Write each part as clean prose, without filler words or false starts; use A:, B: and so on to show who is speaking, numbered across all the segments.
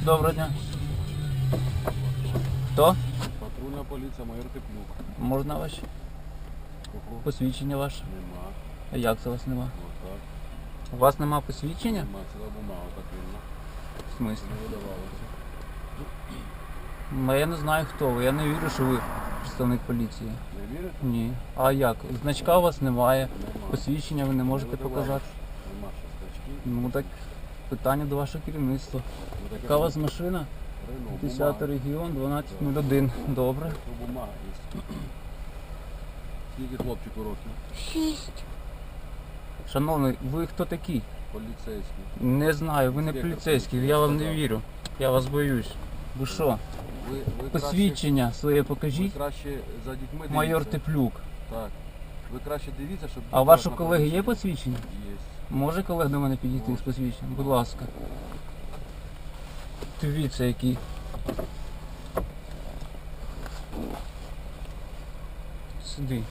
A: Доброго дня. Хто?
B: Патрульна поліція, майор Теплюк.
A: Можна ваше?
B: Кого?
A: Посвідчення ваше?
B: Нема.
A: А як це у вас нема?
B: Отак.
A: У вас нема посвідчення?
B: Нема, ціла бумага так вільно.
A: В смислі?
B: Не видавалося.
A: Я не знаю хто ви. Я не вірю, що ви представник поліції.
B: Не вірите?
A: Ні. А як? Значка у вас немає.
B: Нема.
A: Посвідчення ви не можете
B: Не видавалося.
A: показати.
B: Нема ще стачки.
A: Ну так питання до вашого керівництва.
B: Ну, таке
A: Яка у вас машина?
B: Рено,
A: 10
B: бумага.
A: регіон, 1201. Добре.
B: Це бумага є. Скільки хлопчику років?
A: Шановний, ви хто такий?
B: Поліцейський.
A: Не знаю, ви не
B: Інспектор
A: поліцейський, я вам не
B: сказав.
A: вірю. Я вас боюсь. Ви що?
B: Ви
A: Посвідчення своє
B: Ви
A: покажіть.
B: краще за дітьми дивіться.
A: Майор Теплюк.
B: Так. Ви краще дивіться, щоб...
A: А у вашого колеги є посвідчення?
B: Є.
A: Може колег до мене підійти з
B: Може.
A: посвідченням? Будь ласка. Дивіться який. Сиди.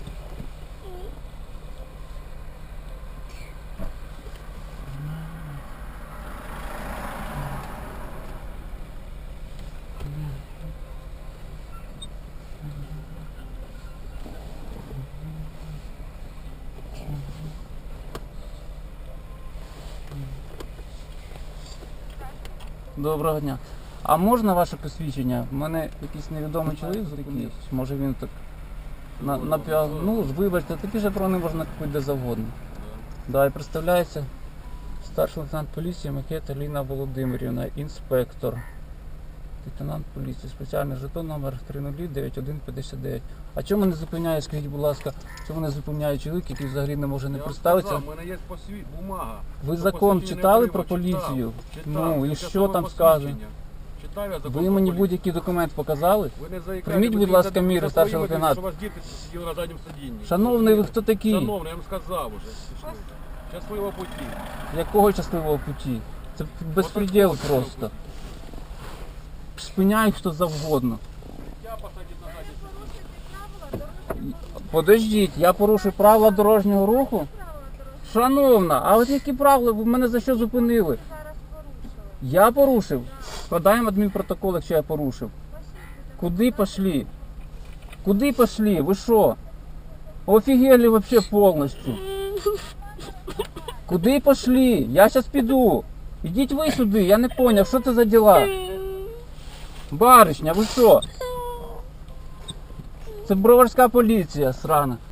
A: Доброго дня. А можна ваше посвідчення? У мене якийсь невідомий чоловік зупинив. Може він так ну, вибачте, такі ж про не можна купити де завгодно. Да, і представляється старший лейтенант поліції Макета Ліна Володимирівна, інспектор. Лейтенант поліції, спеціальний жетон номер 309159. А чому не зупиняє, скажіть, будь ласка, чому не зупиняє чоловік, який взагалі не може не представитися?
B: У мене є бумага.
A: Ви
B: Що
A: закон
B: посвідчення
A: читали
B: отримав?
A: про поліцію?
B: Читав.
A: Ну і
B: Яке
A: що
B: саме
A: там
B: посвідчення?
A: сказано?
B: Читав я закон
A: Ви
B: про
A: мені
B: поліцію.
A: будь-який документ показали?
B: Ви не заїкайте,
A: Прийміть,
B: ви
A: будь
B: не
A: ласка,
B: за-
A: міри,
B: за
A: старший
B: своїми,
A: лейтенант.
B: Що у вас діти сиділи на задньому сидінні.
A: Шановний, ви хто такий?
B: Шановний, я вам сказав уже. Щасливого путі.
A: Якого щасливого путі? Це безпреділ
B: Отакого
A: просто.
B: щасливого
A: Спиняй хто завгодно.
B: Я посадив на задній сидінні.
A: Подождіть, я порушив правила дорожнього руху? Шановна, а от які правила? Ви мене за що зупинили? Я порушив? Складаємо адмінпротокол, якщо я порушив. Куди пошли? Куди пошли? Ви що? Офігели вообще повністю. Куди пошли? Я зараз піду. Ідіть ви сюди, я не поняв, що це за діла? Баришня, ви що? Це броварська поліція, срана.